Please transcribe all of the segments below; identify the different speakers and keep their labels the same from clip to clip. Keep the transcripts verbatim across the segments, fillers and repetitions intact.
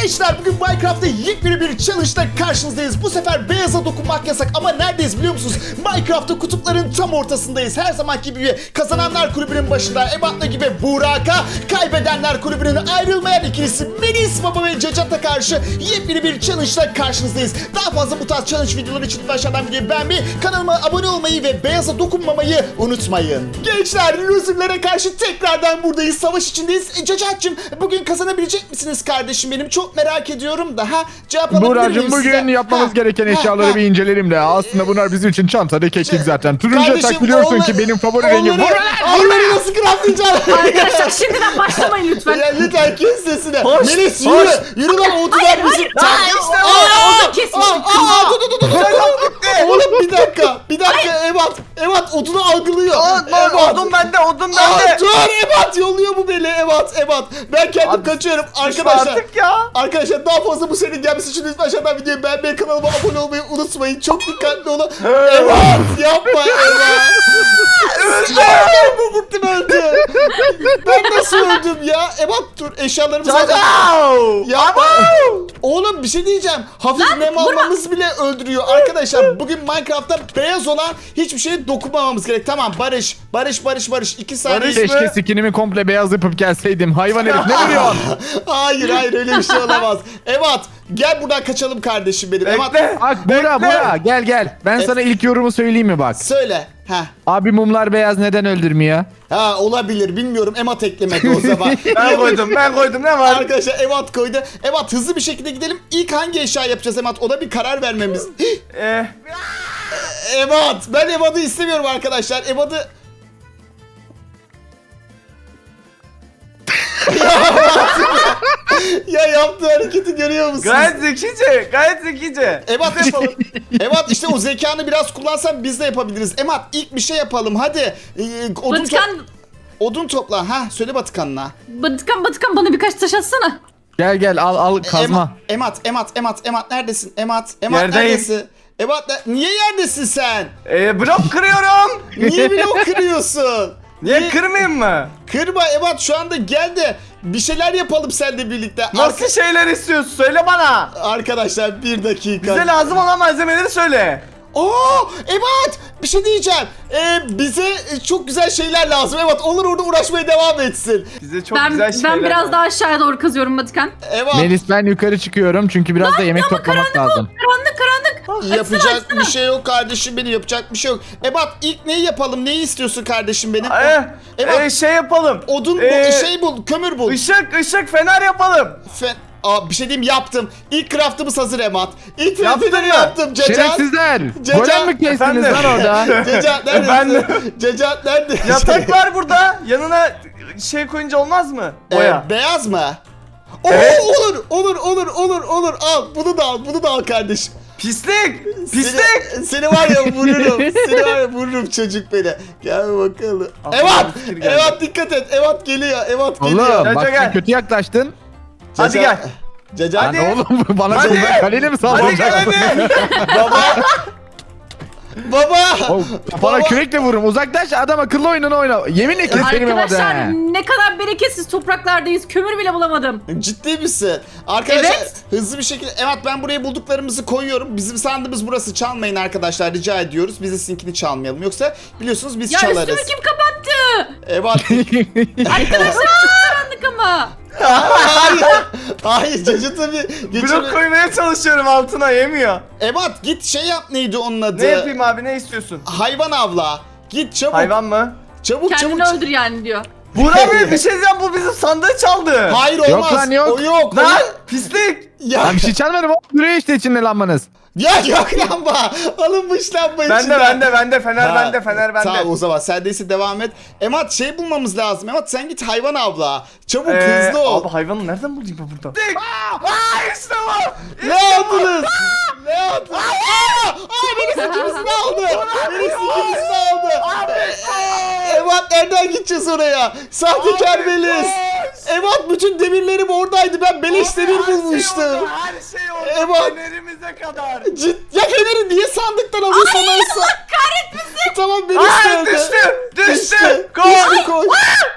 Speaker 1: Gençler bugün Minecraft'ta yepyeni bir challenge'da karşınızdayız. Bu sefer beyaza dokunmak yasak ama neredeyiz biliyor musunuz? Minecraft'ta kutupların tam ortasındayız. Her zamanki gibi kazananlar kulübünün başında Ebat'la gibi Burak'a, kaybedenler kulübünün ayrılmayan ikilisi Melis Baba ve Cacat'a karşı yepyeni bir challenge'da karşınızdayız. Daha fazla bu tarz challenge videoları için aşağıdan videoyu beğenmeyi, kanalıma abone olmayı ve beyaza dokunmamayı unutmayın. Gençler, loserlere karşı tekrardan buradayız. Savaş içindeyiz. E, Cacat'cığım bugün kazanabilecek misiniz kardeşim benim? Çok merak ediyorum da ha. Cevap alabilir miyim
Speaker 2: Buracığım bugün
Speaker 1: size?
Speaker 2: yapmamız
Speaker 1: Ha,
Speaker 2: gereken
Speaker 1: ha,
Speaker 2: eşyaları
Speaker 1: ha.
Speaker 2: bir inceleyelim de. Aslında bunlar bizim için çantada keklik zaten. Turuncu
Speaker 1: Kardeşim,
Speaker 2: yatak biliyorsun
Speaker 1: onları-
Speaker 2: ki benim favori rengim.
Speaker 1: onları- Onları nasıl craftlayacağım?
Speaker 3: Arkadaşlar şimdiden başlamayın lütfen.
Speaker 1: Ya lütfen kes sesini.
Speaker 4: Hoş,
Speaker 1: Melis
Speaker 4: hoş.
Speaker 1: yürü. Yürü lan o duvar bizim.
Speaker 4: Lan işte bu.
Speaker 1: Aa,
Speaker 3: Kesin.
Speaker 1: aa, aa, dur, dur, dur, dur, dur, dur. Oğlum bir dakika. Bir dakika Ebat. Ebat odunu algılıyor.
Speaker 4: Lan odun bende, odun
Speaker 1: Aa,
Speaker 4: bende.
Speaker 1: dur Ebat yolluyor bu beni Ebat Ebat. Ben kendim
Speaker 4: Abi,
Speaker 1: kaçıyorum
Speaker 4: Düşme
Speaker 1: arkadaşlar.
Speaker 4: artık ya.
Speaker 1: Arkadaşlar daha fazla bu serinin gelmesi için lütfen aşağıdan videoyu beğenmeyi, kanalıma abone olmayı unutmayın. Çok dikkatli olun. Ebat yapma Ebat. Öldüm. Bu gittim öldü. Ben nasıl öldüm ya? Ebat dur eşyalarımızı
Speaker 4: Ciao.
Speaker 1: Yapma. Oğlum bir şey diyeceğim. Hafif nem almamız bile öldürüyor. Arkadaşlar bugün Minecraft'ta beyaz olan hiçbir şeye dokunmamamız gerek. Tamam Barış. Barış Barış Barış. iki saniye.
Speaker 4: Barış.
Speaker 2: Keşke skinimi komple beyaz yapıp gelseydim. Hayvan herif ne vuruyorsun?
Speaker 1: Hayır hayır öyle bir şey olamaz. Evat gel buradan kaçalım kardeşim benim. Evat
Speaker 4: Bekle.
Speaker 2: Bak Bura
Speaker 4: Bekle.
Speaker 2: Bura gel gel. Ben sana ilk yorumu söyleyeyim mi bak.
Speaker 1: söyle. Ha.
Speaker 2: Abi mumlar beyaz neden öldürmüyor?
Speaker 1: Ha olabilir bilmiyorum. Emat eklemedi o zaman.
Speaker 4: Ben koydum, ben koydum. Ne var?
Speaker 1: Arkadaşlar Evat koydu. Evat hızlı bir şekilde gidelim. İlk hangi eşya yapacağız Evat? Ona bir karar vermemiz.
Speaker 4: Ee,
Speaker 1: Evat ben Evat'ı istemiyorum arkadaşlar. Evat'ı ya yaptığı hareketi görüyor musunuz?
Speaker 4: gayet zekice, gayet zekice.
Speaker 1: Evat yapalım. Evat işte o zekanı biraz kullansan biz de yapabiliriz. Emat ilk bir şey yapalım hadi. Ee, odun, to-
Speaker 3: Batıkan,
Speaker 1: odun topla. Ha söyle Batıkan'la.
Speaker 3: Batıkan, Batıkan bana birkaç taş atsana.
Speaker 2: Gel gel al al kazma.
Speaker 1: Emat, Emat, Emat, Emat neredesin? Emat, Emat
Speaker 4: Yerdeyim.
Speaker 1: neredesin? Emat ne- niye yerdesin sen?
Speaker 4: Ee, blok kırıyorum.
Speaker 1: Niye blok kırıyorsun?
Speaker 4: Niye kırmayayım mı?
Speaker 1: Kırma Emat şu anda gel de bir şeyler yapalım seninle birlikte.
Speaker 4: Nasıl
Speaker 1: Arka-
Speaker 4: şeyler istiyorsun? Söyle bana.
Speaker 1: Arkadaşlar bir dakika.
Speaker 4: Bize lazım olan malzemeleri söyle.
Speaker 1: Oo, evet bir şey diyeceğim. Ee, bize çok güzel şeyler lazım. Evet onlar orada uğraşmaya devam etsin.
Speaker 4: Bize çok
Speaker 3: Ben
Speaker 4: güzel şeyler
Speaker 3: ben biraz
Speaker 4: var.
Speaker 3: daha aşağıya doğru kazıyorum Batıkan.
Speaker 1: Evet
Speaker 2: Melis ben yukarı çıkıyorum çünkü biraz da yemek toplamak lazım.
Speaker 3: Karanlık karanlık.
Speaker 1: yapacak bir şey yok kardeşim benim yapacak bir şey yok. Ebat ilk neyi yapalım neyi istiyorsun kardeşim benim?
Speaker 4: Ee,
Speaker 1: Evet.
Speaker 4: ee, şey yapalım.
Speaker 1: Odun
Speaker 4: Ee,
Speaker 1: bul, şey bul, kömür bul.
Speaker 4: Işık, ışık, fener yapalım.
Speaker 1: Fe- Aa, bir şey diyeyim yaptım. İlk craftımız hazır Emat. İlk
Speaker 4: Yaptın
Speaker 1: craftımı
Speaker 4: mı?
Speaker 1: yaptım. Cacat.
Speaker 2: Şerefsizler.
Speaker 1: Cacat-
Speaker 2: Golem mi kestiniz
Speaker 4: Efendim?
Speaker 2: lan orada?
Speaker 1: Cacat neredesin?
Speaker 4: Ben-
Speaker 1: Cacat nerede?
Speaker 4: Yatak var burada. Yanına şey koyunca olmaz mı? Boya.
Speaker 1: Ee, beyaz mı? Oo,
Speaker 4: Evet.
Speaker 1: olur, olur, olur, olur, olur. Al, bunu da al, bunu da al kardeşim.
Speaker 4: Pislik! Pislik!
Speaker 1: Seni, seni var ya vururum. Seni var ya vururum çocuk beni. Gel bakalım.
Speaker 4: Aklıma
Speaker 1: Evat!
Speaker 4: bir fikir geldi.
Speaker 1: Evat dikkat et. Evat geliyor. Evat geliyor.
Speaker 2: Oğlum
Speaker 4: Cacat
Speaker 2: bak
Speaker 4: gel.
Speaker 2: sen kötü yaklaştın.
Speaker 4: Hadi gel.
Speaker 1: Cacat.
Speaker 2: Lan
Speaker 4: Hadi.
Speaker 2: oğlum bana
Speaker 4: Hadi.
Speaker 2: kızlar kaleni mi
Speaker 4: Hadi gel
Speaker 2: sallanacak?
Speaker 4: hadi.
Speaker 1: Baba. Baba.
Speaker 2: Oğlum, Kafana
Speaker 1: Baba.
Speaker 2: kürekle vururum. Uzaklaş adam akıllı oyununu oyna. Yeminle keserim ama
Speaker 3: Arkadaşlar
Speaker 2: de.
Speaker 3: ne kadar bereketsiz topraklardayız. Kömür bile bulamadım.
Speaker 1: Ciddi misin? Arkadaşlar
Speaker 3: Evet.
Speaker 1: hızlı bir şekilde evet ben buraya bulduklarımızı koyuyorum. Bizim sandığımız burası çalmayın arkadaşlar rica ediyoruz. Biz de sizinkini çalmayalım. Yoksa biliyorsunuz biz
Speaker 3: Ya
Speaker 1: çalarız.
Speaker 3: üstümü kim kapattı?
Speaker 1: Evet.
Speaker 3: Arkadaşlar çok karanlık ama.
Speaker 1: hayır. Hayır Cacat tabii.
Speaker 4: Blok
Speaker 1: Geçen...
Speaker 4: koymaya çalışıyorum altına yemiyor.
Speaker 1: Ebat git şey yap neydi onun adı?
Speaker 4: Ne yapayım abi ne istiyorsun?
Speaker 1: Hayvan avla. Git çabuk.
Speaker 4: Hayvan mı?
Speaker 1: Çabuk
Speaker 3: Kendini
Speaker 1: çabuk.
Speaker 3: öldür yani diyor.
Speaker 4: Burak Bey bir şey diyeceğim bu bizim sandığı çaldı.
Speaker 1: Hayır olmaz.
Speaker 2: Yok lan, yok.
Speaker 1: O yok.
Speaker 4: Lan
Speaker 1: O-
Speaker 4: pislik.
Speaker 1: Ya,
Speaker 2: Lan bir şey çalmadım oğlum. Duruyor işte içinde lanmanız.
Speaker 1: ya yok lamba. Alınmış lamba
Speaker 4: Bende
Speaker 1: içinden.
Speaker 4: bende bende fener
Speaker 1: Ha,
Speaker 4: bende fener bende.
Speaker 1: Tamam o zaman sendeyse devam et. Emat şey bulmamız lazım. Emat sen git hayvan avla. Çabuk
Speaker 4: Ee,
Speaker 1: hızlı ol.
Speaker 4: Abi hayvanı nereden bulayım ben burada? Aa, aa işte bu.
Speaker 1: Ne yaptınız? Ne yaptınız? Aa! Aa birisi ikimizini aldı. Birisi ikimizini aldı. Emat nereden gideceğiz oraya? Sahtekar Melis. Emat bütün demirlerim oradaydı. Ben beleş demir bulmuştum.
Speaker 4: Her şey oldu.
Speaker 1: Emat.
Speaker 4: Fenerimize kadar.
Speaker 1: Cid ya feneri niye sandıktan alıyorsun Aysa?
Speaker 3: Kahretmesin.
Speaker 1: Tamam Melis
Speaker 4: Aa
Speaker 1: öldü.
Speaker 4: düştü. Düştü.
Speaker 1: Düştü.
Speaker 4: Koş.
Speaker 1: Düştü koş.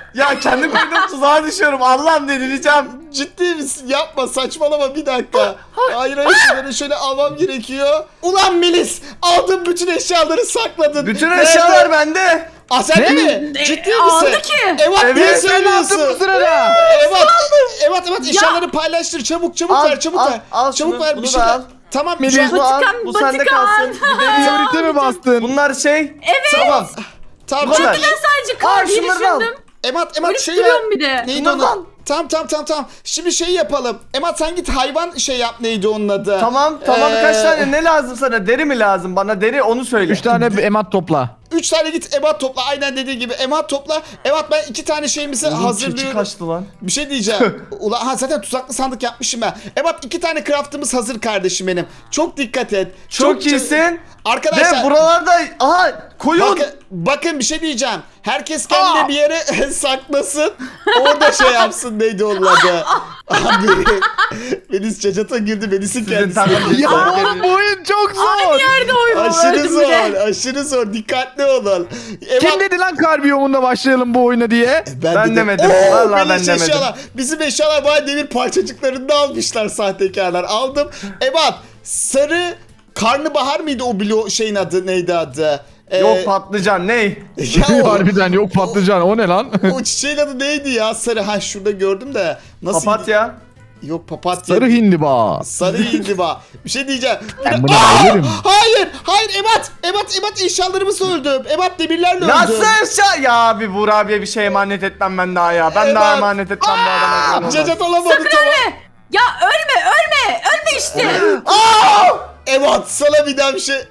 Speaker 4: Ya kendi koyduğum tuzağa düşüyorum. Allah'ım delireceğim.
Speaker 1: Ciddi misin? Yapma, saçmalama, bir dakika. Hayır hayır, şunları şöyle almam gerekiyor. Ulan Melis, aldın bütün eşyaları, sakladın.
Speaker 4: Bütün
Speaker 1: Nerede?
Speaker 4: eşyalar bende.
Speaker 1: Aa, sen de
Speaker 2: Ne?
Speaker 1: mi?
Speaker 3: E,
Speaker 1: Ciddi
Speaker 3: aldı
Speaker 1: misin?
Speaker 3: ki.
Speaker 1: Evet,
Speaker 4: Evet,
Speaker 1: niye
Speaker 4: sen
Speaker 2: Ne yaptın
Speaker 1: söylüyorsun?
Speaker 2: bu sırada?
Speaker 1: Evet, evet evet, eşyaları paylaştır, çabuk çabuk
Speaker 4: Al,
Speaker 1: ver, çabuk
Speaker 4: al,
Speaker 1: ver.
Speaker 4: al
Speaker 1: çabuk
Speaker 4: şunu,
Speaker 1: ver, bir
Speaker 4: bunu
Speaker 1: şey
Speaker 4: da
Speaker 1: ver.
Speaker 4: al.
Speaker 1: Tamam,
Speaker 2: Melis,
Speaker 1: şu an-
Speaker 4: Bu al,
Speaker 3: Vatikan,
Speaker 4: bu sende
Speaker 3: Vatikan.
Speaker 4: kalsın. Gideriyor.
Speaker 2: Teorite mi bastın?
Speaker 4: Bunlar şey.
Speaker 1: Tamam. Tamam,
Speaker 4: Bu kadar.
Speaker 1: çok iyi.
Speaker 3: Ben sadece
Speaker 4: Aa,
Speaker 3: kal diye
Speaker 4: şunları da al.
Speaker 3: düşündüm.
Speaker 1: Emat, Emat şey ver.
Speaker 3: Duruyorum bir de.
Speaker 1: Neydi
Speaker 4: Bunları da al.
Speaker 1: onun? Tamam tamam tamam tamam. Şimdi şey yapalım. Emat sen git hayvan şey yap, neydi onun adı?
Speaker 4: Tamam tamam,
Speaker 1: Ee,
Speaker 4: kaç tane ne lazım sana? Deri mi lazım bana? Deri, onu söyle.
Speaker 2: Üç tane emat topla.
Speaker 1: Üç tane git emat topla, aynen dediği gibi emat topla. Emat, ben iki tane şeyimizi
Speaker 4: Oğlum, keçi
Speaker 1: hazırlıyorum.
Speaker 4: kaçtı lan.
Speaker 1: Bir şey diyeceğim. Ulan ha, zaten tuzaklı sandık yapmışım ben. Emat, iki tane craftımız hazır kardeşim benim. Çok dikkat et.
Speaker 4: Çok iyisin.
Speaker 1: Arkadaşlar
Speaker 4: Ve buralarda aha koyun.
Speaker 1: bakın, bakın bir şey diyeceğim. Herkes kendine
Speaker 4: Aa!
Speaker 1: bir yere saklasın. Orada şey yapsın, neydi onun adı? Abi Melis cacata girdi, Melis'in kendisi.
Speaker 4: takım-
Speaker 2: Ya oğlum bu oyun çok zor.
Speaker 3: Nerede oyun
Speaker 1: Aşırı
Speaker 3: öldüm
Speaker 1: zor,
Speaker 3: bile.
Speaker 1: aşırı zor. Dikkatli olun. Emat,
Speaker 2: Kim dedi lan kar biyomunda başlayalım bu oyuna diye?
Speaker 4: Ben demedim.
Speaker 1: Oo,
Speaker 4: Vallahi
Speaker 1: Melis
Speaker 4: ben demedim.
Speaker 1: eşyalar. Bizim eşyalar bayağı demir parçacıklarını almışlar sahtekarlar. Aldım. Ebat, sarı karnabahar mıydı o blo şeyin adı, neydi adı? Ee,
Speaker 4: Yok patlıcan ne?
Speaker 1: ya o,
Speaker 2: Harbiden yok patlıcan, o ne lan?
Speaker 1: o çiçeğin adı neydi ya? Sarı, ha şurada gördüm de. Nasıl?
Speaker 4: Papatya.
Speaker 1: Yok, papatya.
Speaker 2: Sarı hindiba.
Speaker 1: Sarı indiba. Bir şey diyeceğim.
Speaker 2: Ben buna
Speaker 1: Aa!
Speaker 2: bayılırım.
Speaker 1: Hayır, hayır Ebat, Ebat, Ebat eşyalarımı öldüm. Ebat demirlerle öldüm.
Speaker 4: Nasıl eşya? Ya bir Buğra abiye bir şey emanet etmem ben daha ya. Ben daha
Speaker 1: Evet.
Speaker 4: emanet etmem bu adama. Olmaz.
Speaker 1: Cacat alamadı,
Speaker 3: Sakın
Speaker 1: tamam.
Speaker 3: ölme. Ya ölme ölme. Ölme işte.
Speaker 1: Aa! Ebat, sana bir daha bir şey.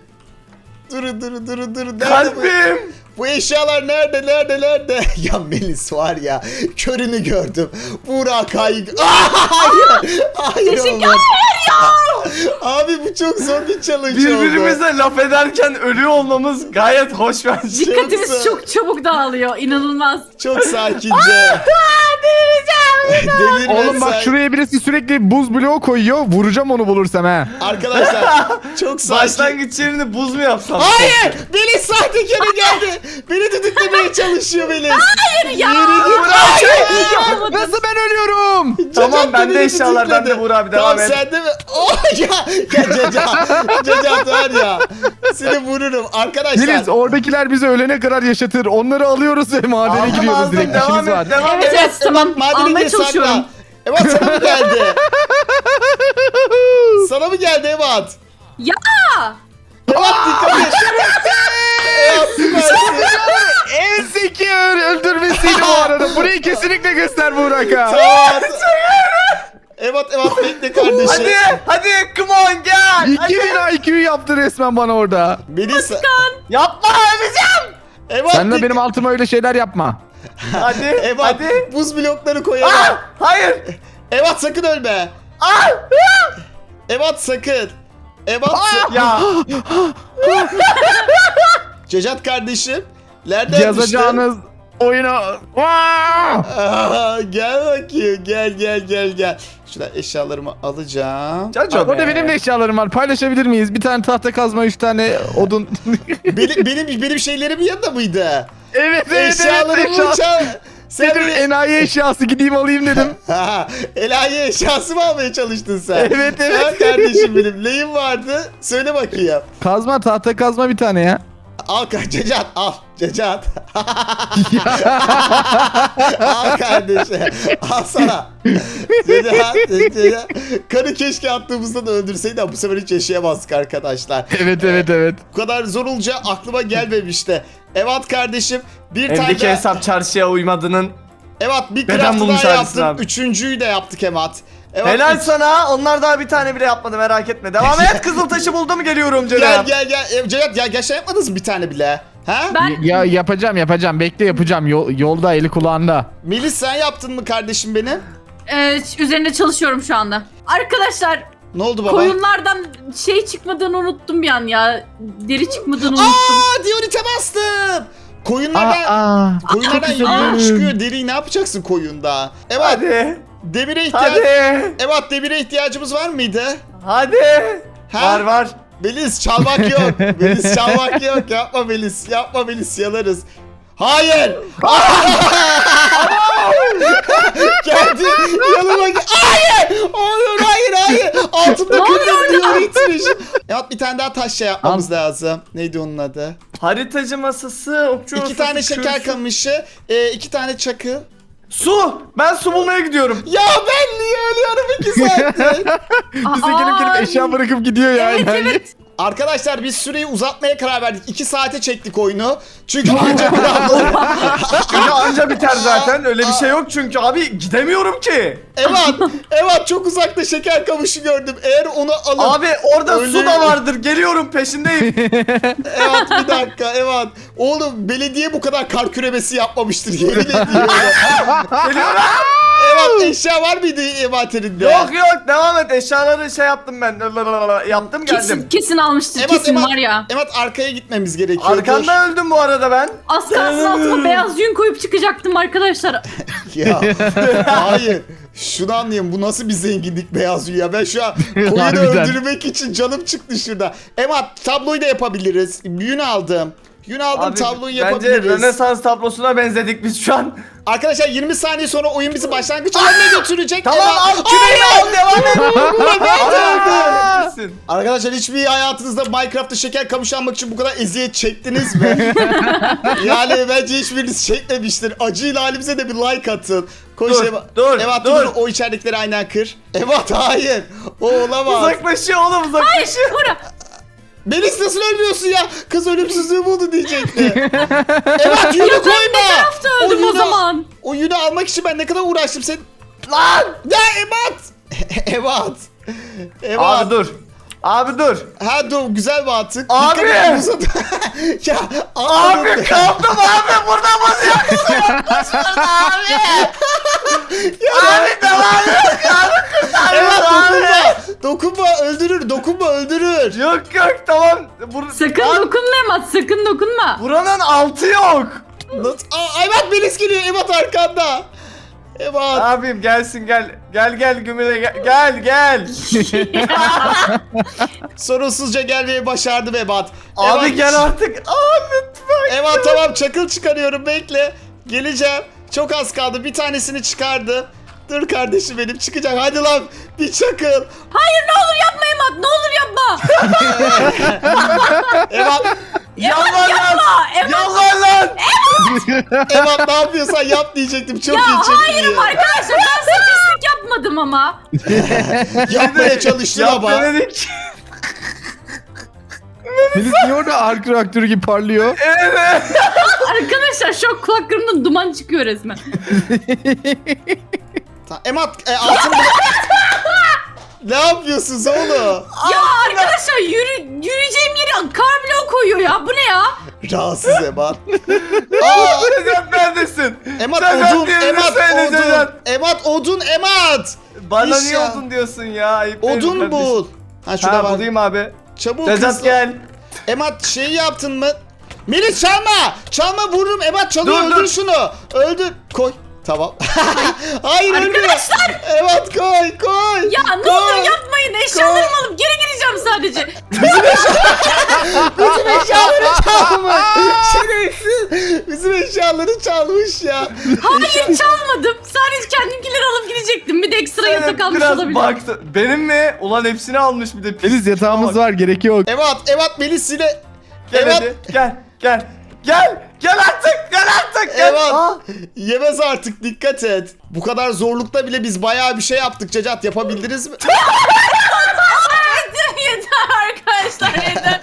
Speaker 1: Durun durun durun durun. Nerede bu?
Speaker 4: Kalbim.
Speaker 1: Bu eşyalar nerede nerede nerede? Ya Melis var ya, körünü gördüm. Burak hayır. Hayır. Hayır olmaz. Abi bu çok zor bir challenge oldu.
Speaker 4: Birbirimize laf ederken ölüyor olmamız gayet hoş bence.
Speaker 3: Dikkatimiz
Speaker 1: zor.
Speaker 3: çok çabuk dağılıyor. İnanılmaz.
Speaker 1: Çok sakince. Delirme
Speaker 2: Oğlum bak
Speaker 1: sen.
Speaker 2: şuraya birisi sürekli buz bloğu koyuyor. Vuracağım onu bulursam ha.
Speaker 1: Arkadaşlar çok sakin.
Speaker 4: Başlangıç yerini buz mu yapsam?
Speaker 1: Hayır! Melis sahtekara geldi. Beni düdüklemeye çalışıyor Melis.
Speaker 3: Hayır ya.
Speaker 1: Yürü git.
Speaker 3: Hayır.
Speaker 2: Nasıl ben ölüyorum?
Speaker 4: Tamam,
Speaker 1: Cacat
Speaker 4: bende
Speaker 1: beni
Speaker 4: eşyalar,
Speaker 1: düdükledi.
Speaker 4: bende Buğra abi, devam
Speaker 1: tamam,
Speaker 4: et.
Speaker 1: Tamam sende mi? Oh ya. Ya Cacat. Cacat var ya. Seni vururum. Arkadaşlar.
Speaker 2: Melis oradakiler bizi ölene kadar yaşatır. Onları alıyoruz ve madene
Speaker 4: Aldım,
Speaker 2: giriyoruz
Speaker 4: aldım,
Speaker 2: direkt.
Speaker 4: devam
Speaker 2: İşimiz
Speaker 4: et,
Speaker 2: var.
Speaker 4: devam
Speaker 3: Evet
Speaker 4: et.
Speaker 3: evet tamam.
Speaker 1: Madeni
Speaker 3: Almaya
Speaker 1: gir, sakla.
Speaker 3: çalışıyorum.
Speaker 1: Evat sana mı geldi? Sana mı geldi Evat?
Speaker 3: Ya.
Speaker 1: Evat dikkat et. Evat süpersin.
Speaker 2: En zeki öldürmesiydi bu arada. Burayı kesinlikle göster Burak'a.
Speaker 1: Tamam. Evat Evat bekle kardeşim.
Speaker 4: Hadi hadi come on gel.
Speaker 2: iki bin I Q yaptı resmen bana orada.
Speaker 1: Melis.
Speaker 4: Yapma öleceğim.
Speaker 1: Evat
Speaker 2: Sen de
Speaker 1: dik-
Speaker 2: benim altıma öyle şeyler yapma.
Speaker 4: Hadi
Speaker 1: Evat
Speaker 4: hadi.
Speaker 1: buz blokları koyamam.
Speaker 4: Ah, hayır.
Speaker 1: Evat sakın ölme.
Speaker 4: Ah,
Speaker 1: Evat sakın. Evat sa-
Speaker 4: ya
Speaker 1: Cacat kardeşim. Nereden
Speaker 2: Yazacağınız oyunu... Aa!
Speaker 1: Aa, gel bakayım, gel gel gel gel. Şuradan eşyalarımı alacağım.
Speaker 4: Caco
Speaker 2: Orada
Speaker 4: be.
Speaker 2: benim de eşyalarım var. Paylaşabilir miyiz? Bir tane tahta kazma, üç tane odun.
Speaker 1: benim, benim benim şeylerim yanında mıydı?
Speaker 2: evet evet
Speaker 1: Eşyalarımı
Speaker 2: evet. Eşya...
Speaker 1: çal. Sen
Speaker 2: Dedim
Speaker 1: beni...
Speaker 2: enayi eşyası gideyim alayım dedim.
Speaker 1: Ha, Elahi eşyası mı almaya çalıştın sen?
Speaker 2: Evet, evet.
Speaker 1: Ha, kardeşim benim. Neyin vardı? Söyle bakayım.
Speaker 2: Kazma, tahta kazma bir tane ya.
Speaker 1: Al ka- Cacat al. Cacat. Al kardeşim. Al sana. Cacat. Cacat. Karı keşke attığımızda da öldürseydi ama bu sefer hiç yaşayamazdık arkadaşlar.
Speaker 2: evet evet evet.
Speaker 1: Bu kadar zor olacağı aklıma gelmemişti. Evet kardeşim, bir tane
Speaker 4: Evdeki
Speaker 1: daha...
Speaker 4: hesap çarşıya uymadığının.
Speaker 1: Evet, bir
Speaker 4: Neden
Speaker 1: craft'ı
Speaker 4: bulmuş
Speaker 1: daha
Speaker 4: halisin
Speaker 1: yaptım.
Speaker 4: abi?
Speaker 1: Üçüncüyü de yaptık Emat. Evet,
Speaker 4: Helal
Speaker 1: üç-
Speaker 4: sana. Onlar daha bir tane bile yapmadı, merak etme. Devam et. Kızıltaşı buldum, geliyorum
Speaker 1: Gel
Speaker 4: canım.
Speaker 1: gel gel. E, Cacat ya gerçekten yapmadınız mı bir tane bile? Ha?
Speaker 3: Ben
Speaker 2: Ya yapacağım yapacağım. Bekle yapacağım. Yol- yolda eli kulağında.
Speaker 1: Melis sen yaptın mı kardeşim benim?
Speaker 3: e, üzerinde çalışıyorum şu anda. Arkadaşlar
Speaker 1: Ne oldu baba?
Speaker 3: koyunlardan şey çıkmadığını unuttum bir an ya. Deri çıkmadığını unuttum.
Speaker 1: Aa, diyorite bastım. Koyunlardan
Speaker 2: Aa,
Speaker 1: koyunlardan
Speaker 3: çok
Speaker 1: yumruğun
Speaker 2: güzel.
Speaker 1: çıkıyor. Deriyi ne yapacaksın koyunda? Evet,
Speaker 4: Hadi.
Speaker 1: demire ihtiyaç.
Speaker 4: Hadi.
Speaker 1: Evet, demire ihtiyacımız var mıydı?
Speaker 4: Hadi.
Speaker 1: Ha?
Speaker 4: Var var.
Speaker 1: Melis çalmak yok. Melis çalmak yok. Yapma Melis. Yapma Melis, yanarız. Hayır. Geldi yanıma gel- Hayır. Hayır hayır hayır. Altında kırmızı diyor itmiş. Evet bir tane daha taş şey yapmamız lazım. Neydi onun adı?
Speaker 4: Haritacı masası, okçu
Speaker 1: İki
Speaker 4: masası,
Speaker 1: tane şeker
Speaker 4: kürsü.
Speaker 1: kamışı, e, iki tane çakı.
Speaker 4: Su! Ben su bulmaya gidiyorum.
Speaker 1: Ya ben niye ölüyorum iki saattir?
Speaker 2: Bize gelip gelip
Speaker 3: Aa,
Speaker 2: eşya bırakıp gidiyor ya.
Speaker 3: Evet
Speaker 2: yani.
Speaker 3: evet.
Speaker 1: Arkadaşlar biz süreyi uzatmaya karar verdik. iki saate çektik oyunu. Çünkü ancak biraz...
Speaker 4: Günü anca biter zaten. Öyle bir şey yok çünkü abi gidemiyorum ki.
Speaker 1: Evet, evet çok uzakta şeker kamışı gördüm. Eğer onu alıp...
Speaker 4: Abi orada
Speaker 1: Öyle-
Speaker 4: su da vardır. Geliyorum peşindeyim.
Speaker 1: Evet bir dakika, evet. Oğlum belediye bu kadar kar küremesi yapmamıştır yemin ediyorum.
Speaker 4: Geliyorum.
Speaker 1: Evet eşya var mıydı envanterinde?
Speaker 4: Yok yok devam et. Eşyaları şey yaptım ben. Yaptım geldim.
Speaker 3: Kesin, kesin almıştır
Speaker 1: Evet,
Speaker 3: kesin
Speaker 1: evet,
Speaker 3: var ya.
Speaker 1: evet arkaya gitmemiz gerekiyor.
Speaker 4: Arkanda öldüm bu arada ben.
Speaker 3: Az kalsın altıma beyaz yün koyup çıkacaktım arkadaşlar.
Speaker 1: Ya hayır. Şunu anlayayım bu nasıl bir zenginlik beyaz ya. Ben şu an koyunu
Speaker 2: Harbiden.
Speaker 1: öldürmek için canım çıktı şurada. Emat tabloyu da yapabiliriz. Yün aldım. Yün aldım
Speaker 4: Abi,
Speaker 1: tabloyu
Speaker 4: bence
Speaker 1: yapabiliriz.
Speaker 4: Rönesans tablosuna benzedik biz şu an.
Speaker 1: Arkadaşlar yirmi saniye sonra oyun bizi başlangıç alanına götürecek.
Speaker 4: Tamam
Speaker 1: Emat-
Speaker 4: al küreği al devam et.
Speaker 1: Emat öldü.
Speaker 4: Öldü.
Speaker 1: Arkadaşlar hiçbir hayatınızda Minecraft'ta şeker kamışı almak için bu kadar eziyet çektiniz mi? Yani bence hiçbiriniz çekmemiştir. Acıyla halimize de bir like atın. Koş
Speaker 4: Dur,
Speaker 1: Eva.
Speaker 4: dur,
Speaker 1: Eva,
Speaker 4: dur.
Speaker 1: O içeridekileri aynen kır. Evet hayır. O olamaz.
Speaker 4: Uzaklaşıyor oğlum uzaklaşıyor.
Speaker 3: Bura.
Speaker 1: Melis nasıl ölmüyorsun ya? Kız ölümsüzlüğü buldu diyecekti. Evet yünü
Speaker 3: Ya ben
Speaker 1: koyma.
Speaker 3: ne tarafta öldüm o
Speaker 1: yünü-
Speaker 3: zaman?
Speaker 1: O yünü almak için ben ne kadar uğraştım sen.
Speaker 4: Lan.
Speaker 1: Ya Emat. Emat. Emat.
Speaker 4: Abi dur. Abi dur.
Speaker 1: Ha dur güzel bir atık.
Speaker 4: Abi!
Speaker 1: Dikkat et, uzadı. Ya
Speaker 4: Abi kaldım abi buradan basıyorsun. Abi. Abi devam et. Abi
Speaker 1: Evet
Speaker 4: kurtarıyorsun abi.
Speaker 1: dokunma. Dokunma öldürür. Dokunma öldürür.
Speaker 4: Yok yok tamam. Bur
Speaker 3: Sakın
Speaker 4: Lan,
Speaker 3: dokunma Emat sakın dokunma.
Speaker 4: buranın altı yok.
Speaker 1: Nasıl? Aa, Emat Melis geliyor. Emat arkanda. Emat.
Speaker 4: Abim gelsin gel. Gel gel Gümüle gel. Gel gel.
Speaker 1: Sorunsuzca gelmeyi başardım Emat.
Speaker 4: Abi
Speaker 1: Emat,
Speaker 4: gel artık. Abi lütfen.
Speaker 1: Emat tamam çakıl çıkarıyorum bekle. Geleceğim. Çok az kaldı. Bir tanesini çıkardım. Dur kardeşim benim çıkacak. Hadi lan bir çakıl.
Speaker 3: Hayır ne olur yapma Emat ne olur yapma.
Speaker 1: Emat,
Speaker 4: Yalan lan.
Speaker 3: Yapma Emat.
Speaker 4: Yalan lan.
Speaker 1: Emat ne yapıyorsan yap diyecektim. Çok
Speaker 3: Ya
Speaker 1: iyi çekti.
Speaker 3: hayırım arkadaşlar ben statistik yapmadım ama.
Speaker 1: Yapmaya çalıştın
Speaker 4: Yap
Speaker 1: ama.
Speaker 4: denedik.
Speaker 2: Melis niye orada ark reaktörü gibi parlıyor?
Speaker 4: Evet.
Speaker 3: Arkadaşlar şu kulaklarımdan duman çıkıyor resmen.
Speaker 1: Ta- Emat e, altın bile... Ne yapıyorsunuz oğlum?
Speaker 3: Ya arkadaşlar yürü, yürüyeceğim yere kar bloğu koyuyor ya bu ne ya?
Speaker 1: Rahatsız Emat. Aa,
Speaker 4: Necat neredesin?
Speaker 1: Emat
Speaker 4: Necat
Speaker 1: odun,
Speaker 4: yerini
Speaker 1: Emat
Speaker 4: söyle
Speaker 1: odun.
Speaker 4: Necat.
Speaker 1: Emat odun, Emat.
Speaker 4: Bana
Speaker 1: İş
Speaker 4: niye
Speaker 1: ya.
Speaker 4: odun diyorsun ya? Ayıp değil mi
Speaker 1: Odun
Speaker 4: kardeşim?
Speaker 1: bul. Ha şurada
Speaker 4: Ha
Speaker 1: var.
Speaker 4: bulayım abi.
Speaker 1: Çabuk
Speaker 4: Necat
Speaker 1: hızlı.
Speaker 4: gel.
Speaker 1: Emat şeyi yaptın mı? Melis çalma. Çalma vururum. Emat çalıyor.
Speaker 4: Dur,
Speaker 1: Öldür
Speaker 4: dur.
Speaker 1: şunu. Öldür. Koy. Tamam. Hayır ölmüyor.
Speaker 3: Arkadaşlar!
Speaker 1: Emat koy koy.
Speaker 3: Ya ne
Speaker 1: Koy.
Speaker 3: olur yapmayın eşyalarımı alıp geri gireceğim sadece.
Speaker 1: Bizim eşyaları çalmış. Şerefsiz. Bizim eşyaları çalmış ya.
Speaker 3: Hayır çalmadım. Sadece kendimkileri alıp gidecektim. Bir de ekstra
Speaker 4: Evet,
Speaker 3: yatak almış
Speaker 4: biraz
Speaker 3: olabilir.
Speaker 4: baktı. Benim mi? Ulan hepsini almış bir de. pis.
Speaker 2: Melis yatağımız var gerek yok.
Speaker 1: Emat, Emat Melis yine.
Speaker 4: Gel
Speaker 1: Emat,
Speaker 4: hadi. Gel. Gel. Gel. Gel artık. Gel artık. Gel.
Speaker 1: Emat.
Speaker 4: Aa,
Speaker 1: Yemez artık dikkat et. Bu kadar zorlukta bile biz bayağı bir şey yaptık Cacat. Yapabildiniz mi?
Speaker 3: Yeter arkadaşlar yeter.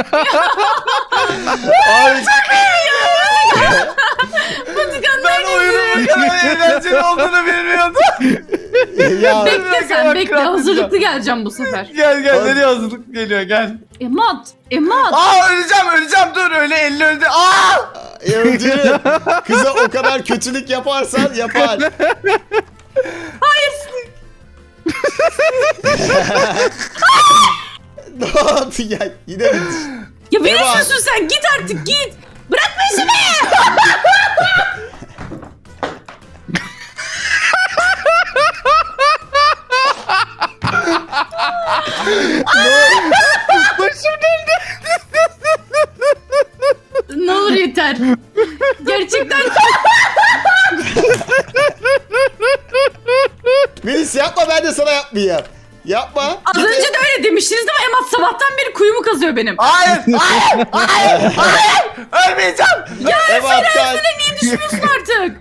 Speaker 1: Abi,
Speaker 4: ben oyunun bu kadar eğlenceli olduğunu bilmiyordum.
Speaker 1: ya,
Speaker 3: Bekle sen bekle hazırlıklı geleceğim bu sefer.
Speaker 4: Gel gel.
Speaker 1: Hadi.
Speaker 4: Nereye hazırlık geliyor gel.
Speaker 3: Emat, Emat.
Speaker 4: Aa öleceğim öleceğim dur öyle elli öldü. Aa!
Speaker 1: öldürün. Kıza o kadar kötülük yaparsan yapar.
Speaker 3: Hayır.
Speaker 1: Ne oldu ya? Yine mi?
Speaker 3: Ya beni
Speaker 1: Emat.
Speaker 3: susun sen git artık git. Bırak peşimi.
Speaker 2: Başım döndü.
Speaker 3: Ne olur yeter. Gerçekten
Speaker 1: yapmayayım. Yapma.
Speaker 3: Az
Speaker 1: Git-
Speaker 3: önce de öyle demiştiniz ama Emat sabahtan beri kuyumu kazıyor benim.
Speaker 4: Hayır, hayır, hayır, hayır. Ölmeyeceğim.
Speaker 1: Ebat gel.
Speaker 3: Niye düşünüyorsun artık?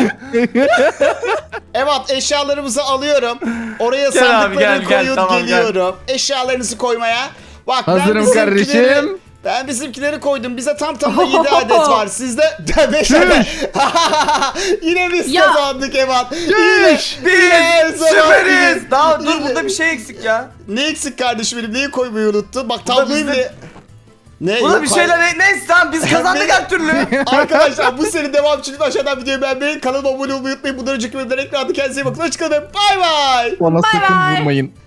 Speaker 1: Ebat eşyalarımızı alıyorum. Oraya
Speaker 4: Gel abi,
Speaker 1: sandıklarını
Speaker 4: gel, gel,
Speaker 1: koyup
Speaker 4: tamam, gel.
Speaker 1: geliyorum. Eşyalarınızı koymaya. Bak ben
Speaker 2: Hazırım
Speaker 1: bizimkileri,
Speaker 2: kardeşim.
Speaker 1: ben bizimkileri koydum. Bize tam tamına yedi adet var. Sizde beş adet. Yine biz
Speaker 3: Ya.
Speaker 1: kazandık Ebat. Yine,
Speaker 2: Düş.
Speaker 1: yine her
Speaker 4: Biz
Speaker 1: zaman
Speaker 4: süperiz.
Speaker 1: gibi.
Speaker 4: Daha dur
Speaker 1: Yine-
Speaker 4: burada bir şey eksik ya.
Speaker 1: Ne eksik kardeşim benim? Neyi koymayı unuttun? Bak
Speaker 4: Burada
Speaker 1: tabloyu
Speaker 4: bizde-
Speaker 1: bile... Ne?
Speaker 4: Burada
Speaker 1: Yok,
Speaker 4: bir
Speaker 1: hayır.
Speaker 4: şeyler neyse tamam biz kazandık her türlü.
Speaker 1: Arkadaşlar bu serinin devamı için lütfen aşağıdan videoyu beğenmeyi, kanalıma abone olmayı unutmayın. Bundan önceki bölümden ekranda kendinize iyi bakın. Hoşçakalın. Bay bay.
Speaker 2: Bana
Speaker 3: Bay
Speaker 2: sakın
Speaker 3: bay.
Speaker 2: vurmayın.